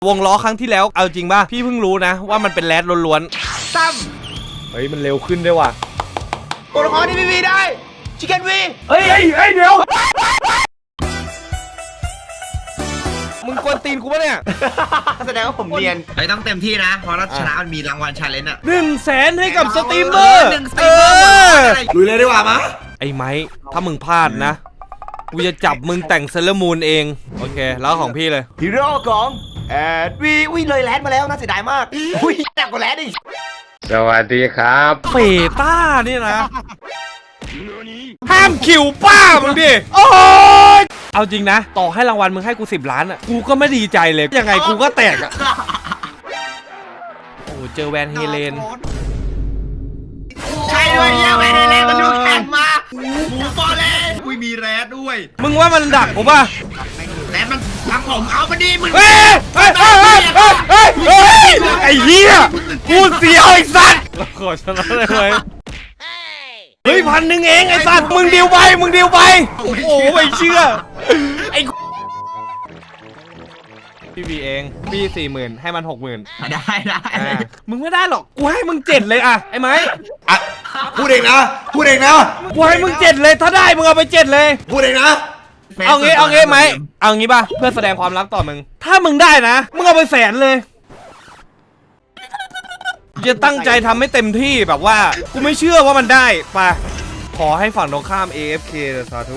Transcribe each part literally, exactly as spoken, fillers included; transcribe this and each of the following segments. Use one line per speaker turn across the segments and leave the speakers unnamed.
วงล้อครั้งที่แล้วเอาจริงป่ะพี่เพิ่งรู้นะว่ามันเป็นแรดล้วนๆซ้ำเฮ้ยมันเร็วขึ้นด้วยว่ะ
ตัวละครที่พีพีได้ชิคเก้นวี
เฮ้ยเฮ้ยเดี๋ยวมึงกวนตีนกูปะเนี่ย
แสดงว่าผมเนียน
ไอ้ต้องเต็มที่นะเพราะรัชนะมันมีรางวัลชาเลนจ์อ่ะ
หนึ่งแสนให้กับสตรีมเมอร์เออ
ลุยเลยดีกว่ามะ
ไอ้ไม้ถ้ามึงพลาดนะกูจะจับมึงแต่งเซเลอร์มูนเองโอเคแล้วของพี่เลย
ฮีโร่ของแอดวีอุ้ยเลยแรดมาแล้วน่าเสียดายมากอุ้ยหนักกว่าแรดอีก
สวัสดีครับ
เฟต้านี่นะห้ามคิวป้ามึงดิโอ้ยเอาจริงนะต่อให้รางวัลมึงให้กูสิบล้านอ่ะกูก็ไม่ดีใจเลยยังไงกูก็แตกอ่ะโอ้เจอแวนเฮเลน
ใช่ด้วยเนี่ยแวนเฮเลนมันดูแข็งมาหมูฟอร์เรนอุ้ยมีแรดด้วย
มึงว่ามันดักกูป่ะ
แรดมันทำผมเอามาดีมึง
เฮ้ยเฮ้ยเฮ้ยเฮ้ยเฮ้ยไอ้เหี้ยกูเสียวไอ้สัตว์ขอชนะได้ไหมเฮ้ยพันหนึ่งเองไอ้สัตว์มึงดิวไปมึงดิวไปโอ้โหไม่เชื่อไอ้พี่บีเองพี่สี่หมื่นให้มันหกหมื่น
ได้ได้
มึงไม่ได้หรอกกูให้มึงเจ็ดเลยอะไอ้ไม้
อ่ะพูดเองนะพูดเองนะ
กูให้มึงเจ็ดเลยถ้าได้มึงเอาไปเจ็ดเลย
พูดเองนะ
เอางี้เอางี้ไหมเอางี้ป่ะเพื่อแสดงความรักต่อมึงถ้ามึงได้นะมึงเอาไปแสนเลยจะตั้งใจทำให้เต็มที่แบบว่ากูไม่เชื่อว่ามันได้ป่ะขอให้ฝั่งตรงข้าม เอ เอฟ เค สาธุ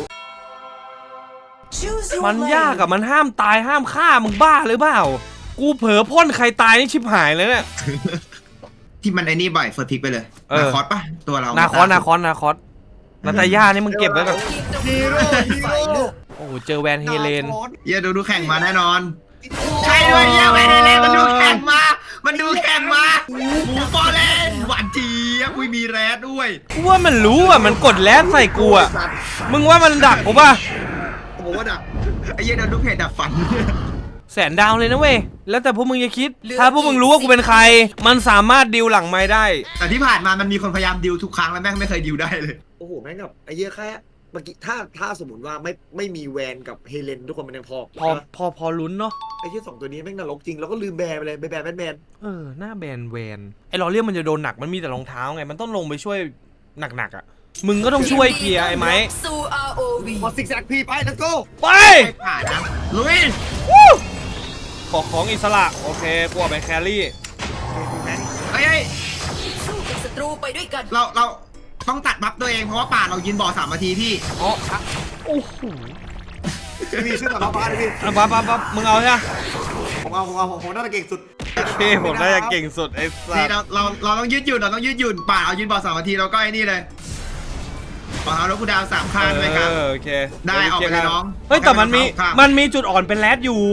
มันยากอะมันห้ามตายห้ามฆ่ามึงบ้าหรือเปล่ากูเผลอพ่นใครตายนี่ชิบหายเลยเนี่ย
ที่มันไอ้นี่บ่อยเฟิร์สพิกไปเลยนาคอสป่ะตัวเรา
นาคอสนาคอสนาคอสนาตาย่านี่มึงเก็บไว้แบบ
ฮีโร่ฮีโร่
โอ้เจอแวนเฮเลน
เยอะดูดูแข่งมาแน่นอนใช่ด้วยเนี่ยแวนเฮเลนมันดูแข่งมามันดูแข่งมาหมูฟอร์เรนหวานเจี๊ยบอุ้ยมีแรดด้วย
กูว่ามันรู้อ่ะมันกดแรดใส่กูอ่ะมึงว่ามันดักกูป่ะ
ผมว่าดักไอ้เหี้ยโดนลูกเพจดักฝัน
แสนดาวเลยนะเว้ยแล้วแต่พวกมึงจะคิดถ้าพวกมึงรู้ว่ากูเป็นใครมันสามารถดิวหลังไม้ได้
แต่ที่ผ่านมามันมีคนพยายามดิวทุกครั้งแล้วแม่งไม่เคยดิวได้เลย
โอ้โหแม่งกับไอ้เหี้ยแค่เมื่อกี้ถ้าถ้าสมมติว่าไม่ไม่มีแวนกับเฮเลนทุกคนมันยังพอ
พอพอพอลุ้นเนาะ
ไอ้ที่สองตัวนี้แม่งนรกจริงแล้วก็ลืมแบนไปเลยไปแบนแบนแบน
เออหน้าแบนแวนไอ้ลอเรียมมันจะโดนหนักมันมีแต่รองเท้าไงมันต้องลงไปช่วยหนักๆอ่ะมึงก็ต้องช่วยเคลียร์ไอ้ไม้
ขอซิกแซกพีไป let's go
ไป
ผ่านนะลุย
ขอของอิสระโอเคกูเอาไปแครี่
เฮ้ยสู้กับศัตรูไปด้วยกันเราเราต้องตัดบัฟตัวเองเพราะว่าป่าเรายืนบ่อสามนาทีพี่
อ๋อโอ้โห
มีชื่อต่อมาเลยพี่
ปั๊บปั๊บปั๊บมึงเอาใช่ไหม
ผมเอาผมเอาผมน่าจะเก่งสุด
โอเคผมน่าจะเก่งสุดไอ้สัส
เราเราเราต้องยืดหยุ่นเราต้องยืดหยุ่นป่าเรายืนบ่อสามนาทีเราก็ไอ้นี่เลยป่าเราแล้วกูดาวสามคันเลยครับ
โอเค
ได้ออกไปเลยน้อง
เฮ้ยแต่มันมีมันมีจุดอ่อนเป็นแรดอยู่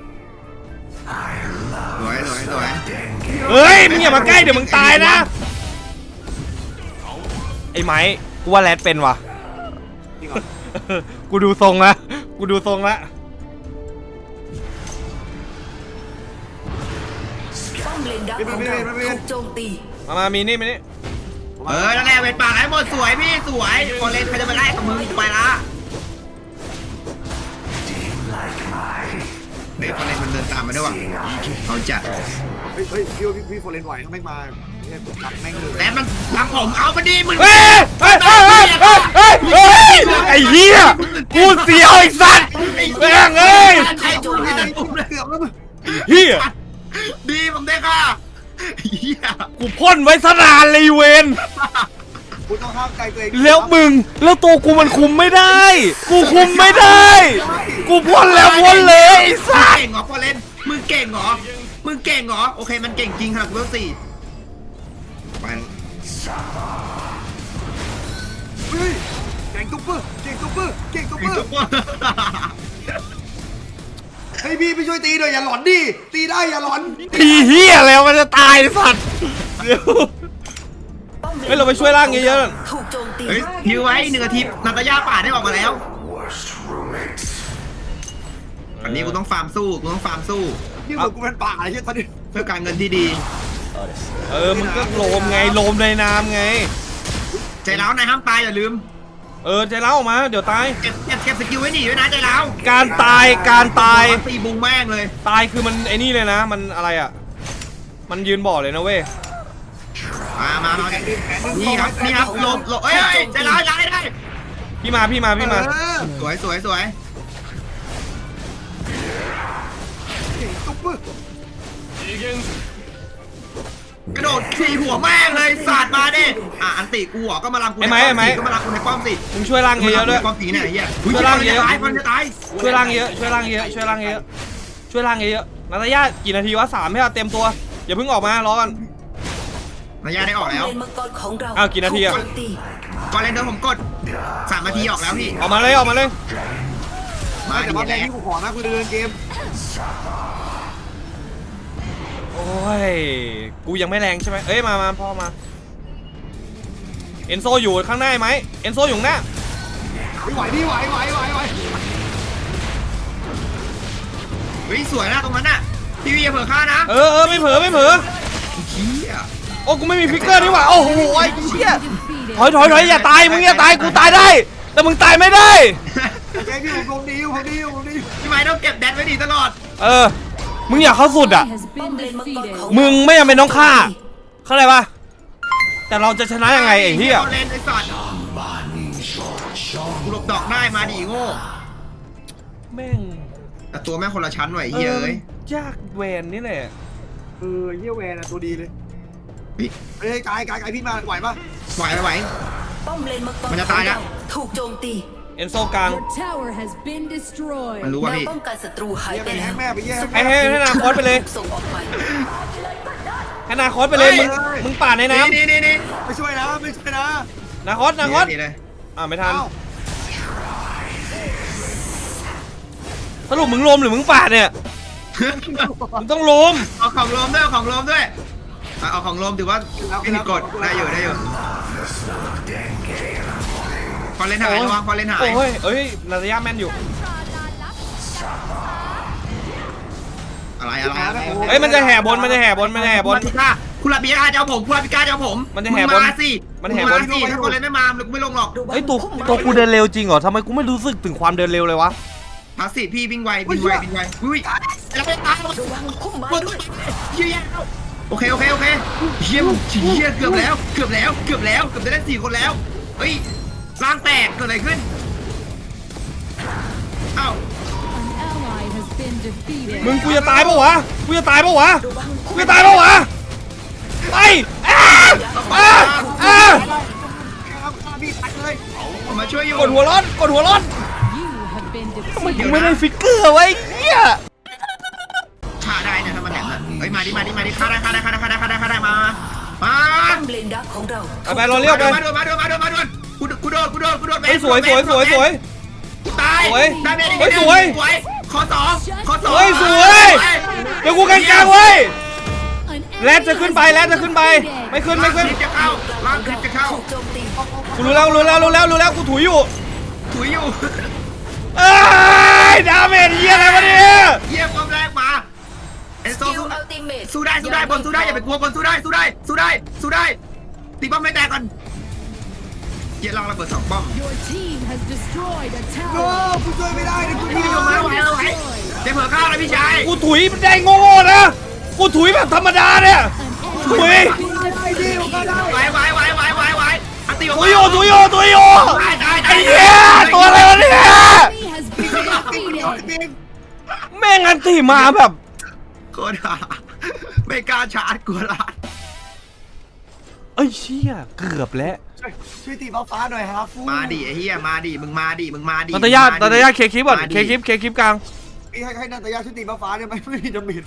สวยสวยสวย
เฮ้ยมึงอย่ามาใกล้เดี๋ยวมึงตายนะไอ้ไม้กูว่าแรดเป็นว่ะกูดูทรงละกูดูทรงละ
ป้อมเลนดักของเราถูกโจมตี
มามามีนี่มีนี่
เออนั่นแหละเวทป่าให้หมดสวยพี่สวยพอเล่นใครจะมาได้กับมึงไปละเฮ้ยพอเล่นมันเดินตามมาด้วยว่ะเขาจัด
เฮ้ยเฮ้ยพี่พี่พี่โฟเรนไหวถ้าไม่มาเนี่ยกดรับแม่งเลย
แต่มันทำผมเอามาดีมึง
เฮ้ยเฮ้ยเฮ้ยเฮ้ยเฮ้ยไอ้เหี้ยกูเสียวไอ้สัตว์แม่งเอ้ยเหี้ย
ดีผมได้ค่ะเหี้ย
กูพ่นไว้สนานเลยเวน
กูต้องห้ามใจตัวเอง
แล้วมึงแล้วตัวกูมันคุมไม่ได้กูคุมไม่ได้กูพ่นแล้วพ่นเลยไอ้สัตว์
เก่งเหรอพอเล่นมึงเก่งเหรอมึงเก่งเหรอโอเคมันเก่งจริงครับเวลสี่ไป
เฮ้ยเก่งตุ๊บเปอร์เก่งตุ๊บเปอร์เก่งตุ๊บเปอร์เฮ้ยพี่ไปช่วยตีหน่อยอย่าหลอนดิตีได้อย่าหลอน
ตีเหี้ยแล้วมันจะตายสัตว์เฮ้ยเราไปช่วยร่างเยอะ
ๆถูกโจมตี
เฮ้ยฮิวไว้หนึ่งอาทิตย์นาตาย่าป่าได้ออกมาแล้วอันนี้กูต้องฟาร์มสู้กูต้องฟาร์มสู้
นี่เหมือนกูเป็นป่าอะไรเงี้ยตอนนี้
เพื่อการเงินที่ดี
เออมึงก็โลมไงโลมในน้ำไง
ใจร้าวนายห้ามตายอย่าลืม
เออใจร้าวออกมาเดี๋ยวตาย
เก็บเก็บเก็บสกิลไว้หนีด้วยนะใจเรา
การตายการตาย
ตีบุงแม่งเลย
ตายคือมันไอ้นี่เลยนะ มันอะไรอ่ะมันยืนบ่อเลยนะเว้ย
มามามานี่ครับนี่ครับหลบหลบเอ้ยใจร้ายได้ได้
พี่มาพี่มาพี่มา
เออ
สวยสวยสวย
ตุ๊บปึ๊บ
กระโดดขี่หัวแม่งเลยสาดมาดิอ่ะอันติกูหัวก็มาลำกูในป้อมสิก็มาลำกูในป้อมสิ
มึงช่วยล่างเยอะๆด้วย
ป้อมสีเนี่ยไอ้เหี้ย
ช่วยล่างเยอะ
ตายคนจะตาย
ช่วยล่างเยอะช่วยล่างเยอะช่วยล่างเยอะช่วยล่างเยอะนาตาญากี่นาทีวะสามให้เราเต็มตัวอย่าเพิ่งออกมารอกัน
ระยะได้ออกแล้ว
เลนมังกรของเรา
อ้าวกี่นาทีอะ
ถูกโจมตี
ก่อนเล่นเดิมผมกดสามนาทีออกแล้วพี่
ออกมาเลยออกมาเลย
มา
แต่
ดี
ว่าแร
แล้
ง
ว
ที่กูขอนะกูเดินเกม
โอ้ยกูยังไม่แรงใช่ไหมเอ้ยมามาพ่อมาเอนโซอยู่ข้างหน้าไหมเอนโซอยู่ข้างหน้า
ไหวพี่ไหวไหวไหวไหว
เฮ้ยสวยนะตรงนั้นน่ะพี่วีอย่าเผลอฆ่านะ
เออเออไม่เผลอไม่เผลอ
เหี้ย
โอ้กูไม่มีฟิกเกอร์นี่หว่าโอ้โหไอ้เชี่ยถอยถอยถอยอย่าตายมึงอย่าตายกูตายได้ แต่มึงตายไม่ได้
แกพี่ผมคงดีอยู่คงดีอยู่คงดีอยู่
พี่ไม้ต้องเก็บแดนไว้ดีตลอด
เออมึงอยากเข้าสุดอ่ะ
ป้อมเลนมังกรของ
มึงไม่จำเป็นต้องฆ่าเข้าใจปะแต่เราจะชนะยังไงไอ้เหี้ย
เล่นไอ้สัตว์กูหลบดอกได้มาดิโง่
แม่ง
แต่ตัวแม่งคนละชั้นหน่อย
เอ
เฮ้ย
อ
เอ้ย
ยากแวนนี่แหละ
เออเยี่ยแวนอ่ะตัวดีเลย
พี่
เฮ้ยกายกายกายพี่มาไหวปะ
ไหวไหวไหว
ป้อมเลนมังกร
มันจะตายแล้ว
ของเรถูกโจมตี
เอนโซกลาง
Your tower has been destroyed.
มันรู้
แน
ว่า
ว
พี่
ป้องกันศัตรูหาย
เยี่ย
ไป
ไป
แล้
ให้
ว
แม่ไปเยี่ย
ให้ให้ให้นาคอสไปเลย
ส่งออกไป
ให้นาคอสไปเลยมึง
เฮ้ย
มึงป่าดในน้
นี่นี่นี่
ไม่ช่วยนะไม่ช่วยนะ
ำนาคอสนาคอส
นี่เลย
อ่าไม่ทัน
เอ้า
สรุปมึงลมหรือมึงป่าดเนี่ยมึงต้องลม
เอาของลมด้วยเอาของลมด้วยอ่ะเอาของลมถือว่าไม่ผิดกฎได้อยู่ได้อยู่พอเล่นหายระวังพอเล่นหาย
โอ้ยเอ้ยนาตาญาแม่นอยู่
อะไรอะไรอะไร
เอ้ยมันจะแห่บนมันจะแห่บนมันจะแห่บน
คุณลาคุณลาปิกาจะเอาผมคุณลาปิกาจะเอาผม
มันจะแห่บน
งมาสิ
มันแห่บน
งาสิถ้าคนเล่นไม่มากูไม่ลงหรอก
เฮ้ยตัวตัวกูเดินเร็วจริงเหรอทำไมกูไม่รู้สึกถึงความเดินเร็วเลยวะ
พาสซีฟพี่วิ่งไววิ่งไววิ่งไวอุ้ยแล้วไปตาย
ระวังพุ่มไม้ด้วย
เฮียโอเคโอเคโอเคเฮียเฮียเกือบแล้วเกือบแล้วเกือบแล้วเกือบจะได้สี่คนแล้วเฮ้ยร่างแตกเกิดอะไรขึ้นเอ้า
An ally has been defeated.
มึงกูจะตายปะวะกูจะตายปะวะ
ระวัง
กูจะตายปะวะไปอ้าอ้าอ้า
ครับฆ่าพี่ตายเลย
ผมมาช่วยอยู่
กดหัวร้อนกดหัวร้อน
You have been
ทำไม
defeated.
กูไม่ได้ฟิกเกอร์ไว้เหี้ย
ฆ่าได้เนี่ยถ้ามันแหลมอะเฮ้ยมาดิมาดิมาดิฆ่าได้ฆ่าได้ฆ่าได้ฆ่าได้ฆ่าได้ฆ่าได้มามา
ป้อมเลนดักของเรา
เอาไปรอเรียกไป
มาโดนมาโดนมาโดนมาโดนกูกูโดนกูโดนกูโดน
เฮ้ยสวยสวยสวยสวย
กูตาย
สวย
ได้ไหม
เฮ้ยสวย
ขอสองขอสอง
เฮ้ยสวยเดี๋ยวกูกลางๆเว้ย
An
แรดจะขึ้นไปแรดจะขึ้นไปไม่ขึ้นไม่ขึ้น
คลิปจะเข้าล่างคลิปจะเข้า
ถูกโจมตี
กูรู้แล้วรู้แล้วรู้แล้วรู้แล้วกูถุยอยู่
ถุยอยู่
เอ้ยดาเมจเหี้ยอะไรวะเนี่ย
เยี่ยมความแรงมาเอนโซ
คิว
สู้
อัลติเมท
สู้ได้สู้ได้บนสู้ได้อย่าไปกลัวบนสู้ได้สู้ได้สู้ได้สู้ได้ตีป้อมไม่แตกก่อนเยี่ยลองระเบิดสองป้อม
Your team has destroyed a
โอ้
tower.
กูช่วยไม่ได้เลยกู
พี่
ดี
ลงมาไหวเอาไหวเดี๋ยวเผื่อข้าวนะพี่ชาย
กูถุยมันได้โง่ๆนะกูถุยแบบธรรมดาเนี่ย
An
ถุย
enemy
ได้ดีกูก็ได้
ไหวไหวไหวไหวไหวไหวอันตีออก
ถุ
มาย
อยู่ถุยอยู่ถุยอยู่
ตายตาย
ไอ้
ตาย
เหี้ยตัวอะไรวะเนี่ย
has been defeated.
แม่งอันตีมาแบบ
โคตรห่าไม่กล้าชาร์จกลัวลาด
เอ้ยเชี่ยเกือบแล้ว
ช่วยช่วยตีฟ้าฟ้าหน่อยฮะฟู
มาดิไอ้เหี้ยมาดิมึงมาดิมึงมาดิ
ตัตยาตัตยาเคคลิปก่อนเคคลิปเคคลิปกลาง
พี่ให้ให้นาตายาช่วยตีฟ้าฟ้าเนี่ยไม่ไม่มีดาเมจ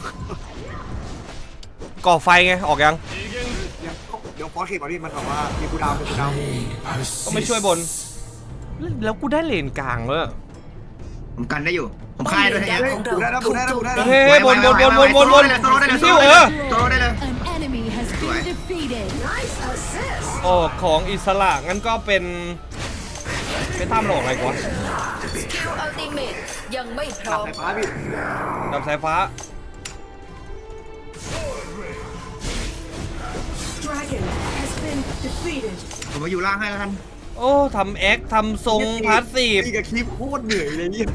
ก่อไฟไงออกยัง
เดี๋ยวเดี๋ยวฟอสเคก่อนพี่มันบอกว่ามีกูดาวมีกูดาว
ก็ไม่ช่วยบน แล้วกูได้เลนกลางเลย
ผมกันได้อยู่ผม
ป้อม
ค่าย
เล
ด้วย
น
ไอ้
ดัก
เหี้ย
ของเราถูกโจมตี
เฮ้ยบนบนบนบนบนบน
โซโล่ได้เลย
ซิ
โซ
ว
โล่
เอ
ได้
อ
เลยโซโล่ได้เลย
An enemy has been defeated.
ออกของอิสระงั้นก็เป็นเป็นท่ามหลอกอะไรกวะ
คิวอัลติเมทยังไม่พร้
ตั
อ
ด
ม
สายฟ้าพี่
ดับสายฟ้า
ผมมาอยู่ล่างให้แล้วกัน
โอ้ทำแอคทำทรงพาสซีฟ
นี่กับคลิปโคตรเหนื่อยเลยเนี่ย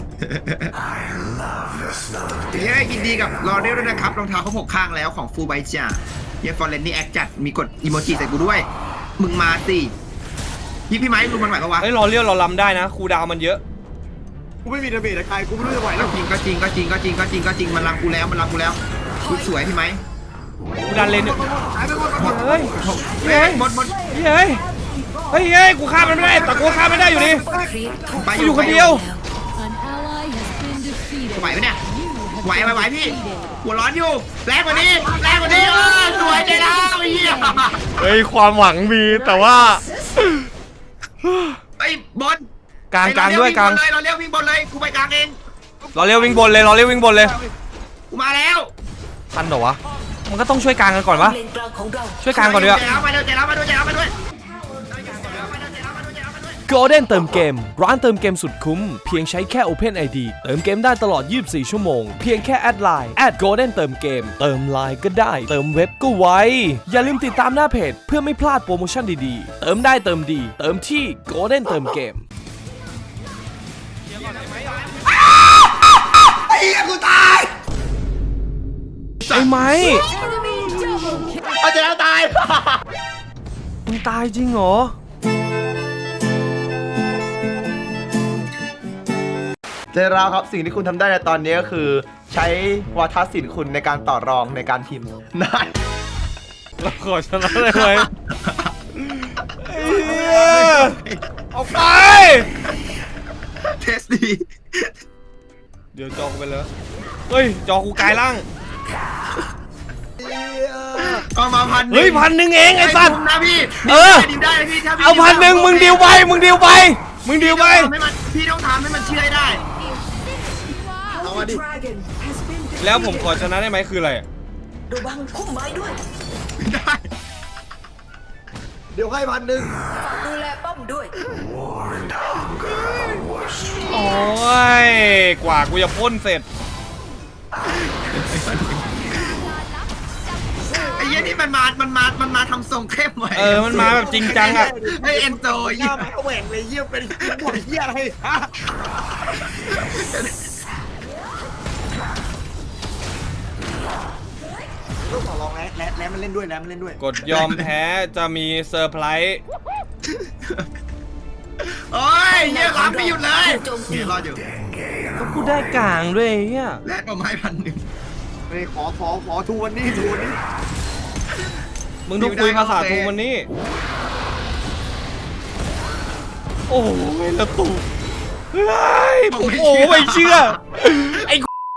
เย้ยินดีกับรอเรียลด้วยนะครับรองเท้าเขาหกข้างแล้วของฟูไบจ่าเย้ฟอร์เรนนี่แอคจัดมีกดอีโมจิใส่กูด้วย มึงมาสิพี่พี่ไม้รู้มันไหวปะวะ
เฮ้ยรอเลี้ยวเราลำได้นะครูดาวมันเยอะ
กูไม่มีดาเมจใครกูไม่รู้จะไหวแล้ว
จริงก็จริงก็จริงก็จริงก็จริงก็จริงมันรังกูแล้วมันรังกูแล้วกูสวยพี่ไม้
กูดันเลนเนี่ย
หายไปหมดหมด
เฮ้ย
เฮ้ยหมดหมด
เฮ้ยเฮ้ยเฮ้ยกูฆ่ามันไม่ได้แต่กูฆ่าไม่ได้อยู่ดี
ครีปถูก
ไป
กูอยู่คนเดียว
An ally has been defeated.
ไหวไหมเนี่ย
You have
ไหว
been
ไหวไหวพี่
defeated.
หัวร้อนอยู่แรงกว่านี้แรงกว่านี้เออสวยใจแล้วไอ้เหี้ย
เฮ้ยความหวังมีแต่ว่า
ไอ้บอล
กลางกลางด้วยกลาง
เราเรียกวิ่งบอลเลยกูไปกลางเอง
รอเลี้ยววิ่งบนเลยรอเลี้ยววิ่งบนเลย
กูมาแล้ว
ทันเหรอวะมันก็ต้องช่วยกลางกันก่อนวะ
เลนกลางของเรา
ช่วยกลางก่อนดีกว่า
ใจแล้วมาด้วยใจแล้วมาด้วยใจแล้วมาด้วย
Golden เติมเกมร้านเติมเกมสุดคุ้มเพียงใช้แค่ Open ไอ ดี เติมเกมได้ตลอดยี่สิบสี่ชั่วโมงเพียงแค่แอดไลน์ แอด Golden เติมเกมเติมไลน์ก็ได้เติมเว็บก็ไวอย่าลืมติดตามหน้าเพจเพื่อไม่พลาดโปรโมชั่นดีๆเติมได้เติมดีเติมที่ Golden เติมเกม
ไอ้เหี้ยกูตาย
ไอ้ไม้
เอาใจแล้วตาย
มึงตายจริงเหรอ
เจราครับสิ่งที่คุณทำได้ในตอนนี้ก็คือ ใช้วาทศิลป์คุณในการต่อรองในการพิมพ์นาย
เราขอชนะได้ไหมไอ้เหี้ยออกไป
เทสดี
เดี๋ยวจอกูไปเลยเฮ้ยจอกูกลายร่าง
เอามาพัน
เฮ้ยพันหนึ่งเองไอ้สัตว์
นะพี่
เออ
ดิวได้นะพี่ถ้าพี่
เอาพันหนึ่งมึงดิวไปมึงดิวไปมึงดิวไป
ทำให้มันพี่ต้องทำให้มันเชื่อให้ได้
เอามาดิ
แล้วผมขอชนะได้ไหมคืออะไรอะ
ระวังพุ่มไม้ด้วย
ได้
เดี๋ยวให้พันหนึ่ง
ฝากดูแลป้อมด้วย
โอ้ยกว่ากูจะพ่นเสร็จ
ไอ้เหี้ยนี่มันมา มันมา มันมาทำทรงเข้มไว้
เออมันมาแบบจริงจังอะ
ไอ้เอ็นโซ
หน้าแม่งแหว่งเลยเยี่ยมเป็นหมดเยี่ยอะไรฮะต้องขอลองแล้วแล้วแล้วมันเล่นด้วยแล้วมันเล่นด้วย
กดยอมแพ้จะมีเซอร์ไพรส์
โอ้ยเหี้ยรับไม่หยุดเลยเนี่ยรออยู่
ก็กูได้กลางด้วยเฮีย
แลกมาไม้พันหนึ่ง
เฮ้ยขอขอขอทูวันนี้ทูวันนี้
มึงต้องคุยภาษาทูวันนี้ โอ้ยละตูเฮ้ยผมโอ้ไม่เชื่อไอ้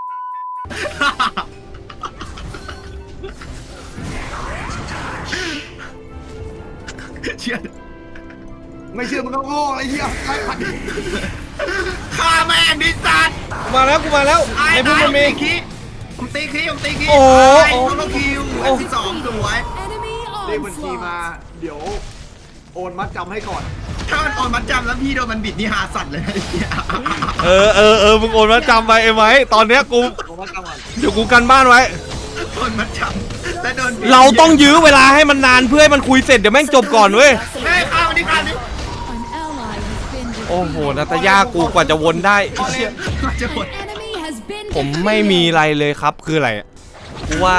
เชื่อ
ไม่เชื่อมึงก็โง่ไอ้เหี้ยใครพัน
ฆ่าแม่งดิสัตว์
กูมาแล้วกูมาแล้ว
ตาย
ในพุ่
ตาม ย
มันมี
ผมตีคีผมตีคีผมตีคี
โอ้โห
ตายโซโลคิวอันที่สองสวย
Enemy
เลขบัญชีมา
onslaught.
เดี๋ยวโอนมัดจำให้ก่อน
ถ้ามันโอนมัดจำแล้วพี่โดนมันบิดนี่หาสัตว์เลยไอ้เหี้ย
เออเออเออมึงโอนมาจำไปไอ้ไหมตอนเนี้ยกู
โอนมัดจำก่อน
เดี๋ยวกูกันบ้านไว้
โอนมัดจำแล้วโดนบิด
เราต้องยื้อเวลาให้มันนานเพื่อให้มันคุยเสร็จเดี๋ยวแม่งจบก่อนเว้ย
เฮ้ยข้าวนี่ข้าวนี่
An ally has been defeated.
โอ้โหนาตาย่ากูกว่าจะวนได้
พอเล่นจะหมด
An enemy has been
ผมไม่มี
defeated.
อะไรเลยครับคืออะไรอะกูว่า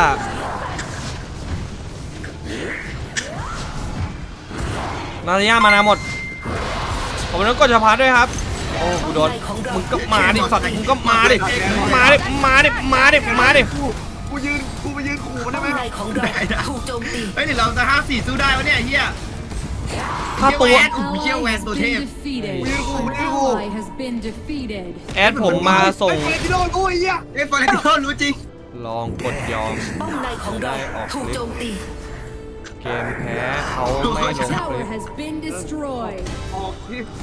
นาตาย่ามานาหมดผมนั้นก็จะพาด้วยครับโอ้กูโดนมึงก็มาดิสัตว์มึงก็มาดิมาดิมาดิมาดิมาดิ
กูกูยืนกูไปยืนขู่มันได้
ป้อม
ไหม
ในของเราถูกโจมตี
เฮ้ยเดี๋ยวเราจะห้าสี่สู้ได้วะเนี่ยไอ้เฮีย
ถ้าตัว
An
Ui,
ally
chiêu
has
quen tổ
been
thêm.
defeated.
Ui, ui,
An
ui.
ally has been defeated.
แอดผมมาส่ง
ไอ้ที่โดนกูไอ้เหี้ย
เอ้ยฟอร์เรนติโนรู้จริง
ลองกดยอม
ป้อมในของเราถูกโจมตี
เกมแพ้เขาไม่ลงคลิ
Tower
ป
has been destroyed.
ออกคลิป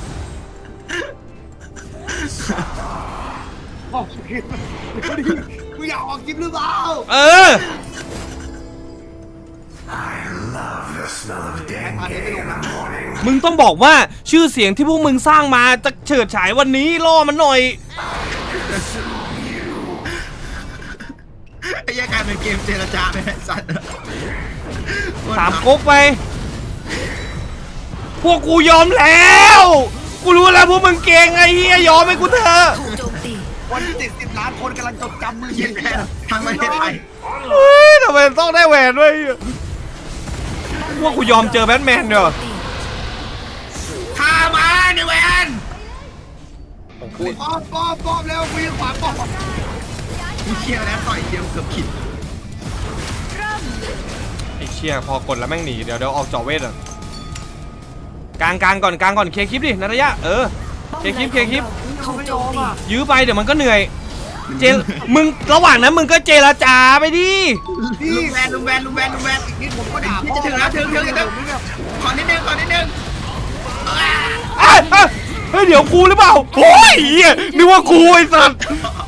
ออกคลิปกูอยากออกคลิปหรือเปล่า
เออ
แพ้พาเทปไม่ลงนะ
มึงต้องบอกว่าชื่อเสียงที่พวกมึงสร้างมาจะเฉิดฉายวันนี้ล่อมันหน่อย
ไอ้เหี้ยกลายเป็นเกมเจรจาไปไอ้สัตว์
สามก๊กไปพวกกูยอมแล้วกูรู้แล้วพวกมึงเก่งไอ้เหี้ยยอมให้กูเถอะ
ถูกโจมตี
วันที่เจ็ดสิบล้านคนกำลังจดจำมือ
เย็
เย็
น
น
แค่ทางประเทศไทย
เฮ้ยทำไมต้องได้แหวนด้วยพวกกูยอมเจอแบทแมนเดี๋ยว
ข้ามาในแวน
ป้อมป้อมป้อมแล้ววิ่งขวาป้อม
กูเชียร์แล้วต่อยเดียวเกือบขิด
ไอ้เชี่ยพอกดแล้วแม่งหนีเดี๋ยวเดี๋ยวออกจอเวทอ่ะกลางกลางก่อนกลางก่อนเคลียร์คลิปดินัทยะเออเคลียร์คลิปเคลียร์คลิป
ถูกโจมตี
ยื้อไปเดี๋ยวมันก็เหนื่อยเจลมึงระหว่างนั้นมึงก็เจรจาไปดิ
ลุงแวนลุงแวนลุงแวนลุงแวน
อีกนิดผมก็ด่า
จะถึงแล้วถึงถึงถึงขอนิดนึงขอนิดนึง
อ่ะอ่ะเฮ้ยเดี๋ยวกูหรือเปล่าโอ้ยเหี้ยนึกว่ากูไอ้สัส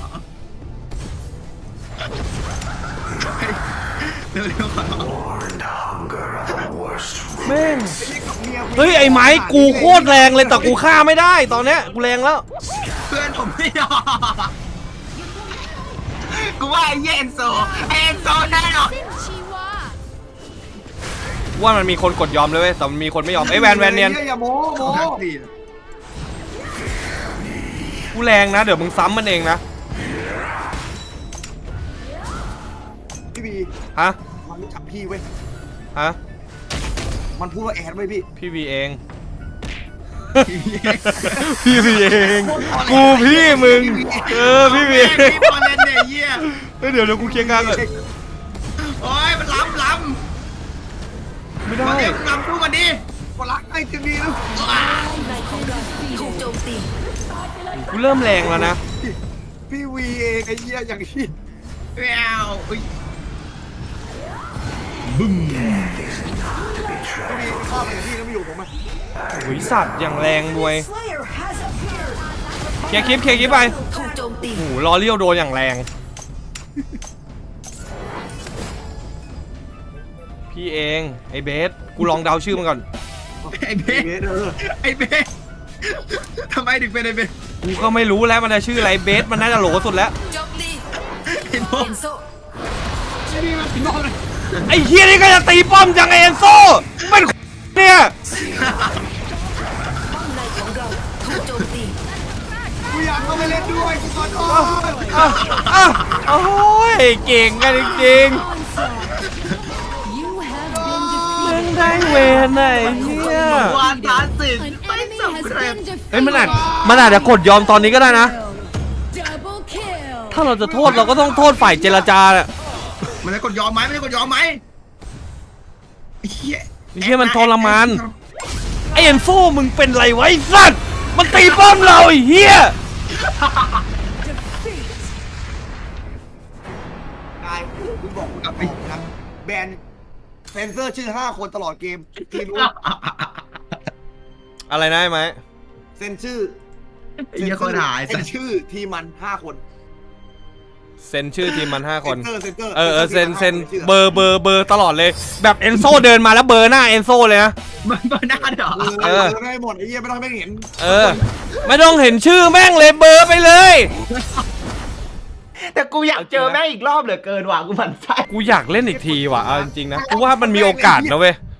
เร็วๆขอ
แม่งเฮ้ยไอ้ไม้กูโคตรแรงเลยแต่กูฆ่าไม่ได้ตอนเนี้ยกูแรงแล้ว
เพื่อนผมไม่ยอมกูว่าไอ้เหี้ยเอ็นโซเอ็นโซแน่นอน
ว่ามันมีคนกดยอมเลยเว้ยแต่มันมีคนไม่ยอมไอ้ยแวนแวนเนียน
อย่าโม้โม้
กูแรงนะเดี๋ยวมึงซ้ำมันเองนะ
พี่บี
ฮะ
มันรู้จักพี่เว้ย
ฮะ
มันพูดว่าแอดเว้ยพี่
พี่วีเอง พี่วีเองกูพี่มึงเออพี่วี
พี่บอลเล่นเนี่ยเหี้ย
เฮ้ยเดี๋ยวเดี๋ยวกูเคลียร์งานก่อน
โอ้ยมันล้ำล้
ไม่
ำ
ได้
มาเรียกล้ำสู้มันดิ
ก็รักไอ้ทีวีนะ
ถูกโจมตี
กูเริ่มแรงแล้วนะ
พี่วีเองไอ้เหี้ยอย่างที่
แววอุ๊ย
พี่วีชอบอย่างที่แล้วไม่อยู่ผมอ่ะ
โอ้ยสัตว์อย่างแรงด้วยเคลียร์คลิปเคลียร์คลิปไป
ถูกโจมตี
โอ้โหลอเลี้ยวโดนอย่างแรง พี่เองไอ้เบสกูลองเดาชื่อมันก่อน
ไอ้เบ้
เบสเออ
ไอ้เบ้ทำไมถึงเป็นไอ้เบ้
กูก็ไม่รู้แล้วมันจะชื่ออะไรเบสมันน่าจะโหลสุดแล้ว
โจมตี
ไอ้พวก
เอ็นโซ
ไอ้เฮียนี่ก็จะตีป้อมจังไอ้เอนโซเป็นเนี่ย
ป้อมในของเราถูกโจมตี
กูอยากเข้าไปเล่นด้วยกูขอโทษ
อ่ะอ่ะโอ้ยเก่งกันจริง
You have
ๆ
been
มึง
defeated.
ได้เวนไหนเฮีย
วานพาสสิ
An enemy has been
เฮ้ยมันอาจ
defeated.
มันอาจจะกดยอมตอนนี้ก็ได้นะ
Double kill.
ถ้าเราจะโทษเราก็ต้องโทษฝ่ายเจรจาแหละ
มันจะกดยอมไหมมันจะกดยอมไหมไอ้เหี้ย
ไอ้เฮียมันทรมานไอเอนโซมึงเป็นไรไวะไอ้สัตว์มันตีป้อมเราไอ้เฮีย
นายกูบอกกูกับบอกนะแบนเซนเซอร์ชื่อห้าคนตลอดเกมทีมรู้
อะไรนะไอ้ไหม
เซนชื่อ
ไอ้เหี้ยคนหาย
เซ
สั
น
ส
ชื่อทีมมันห้าคน
เซ็นชื่อทีมมันห้าคน
เซนเซอร์เซนเซอร์
เออเออเซ็นเซ็นเบอร์เบอร์เบอร์ตลอดเลย แบบเอนโซเดินมาแล้วเบอร์หน้าเอนโซเลยนะ
มันเบอร์หน้าเหรอ
เออ
เออ
ไม่ให้หมดไอ้เหี้ยไม่ต้องให้แม่งเห็น
เออ ไม่ต้องเห็นชื่อแม่งเลยเบอร์ไปเลย
แต่กูอยากเจอแม่งอีกรอบเหลือเกินว่ะกูหมั่นไส้
กูอยากเล่นอีกทีว่ะเอาจริงๆนะกูว่ามันมีโอกาสนะเว้ย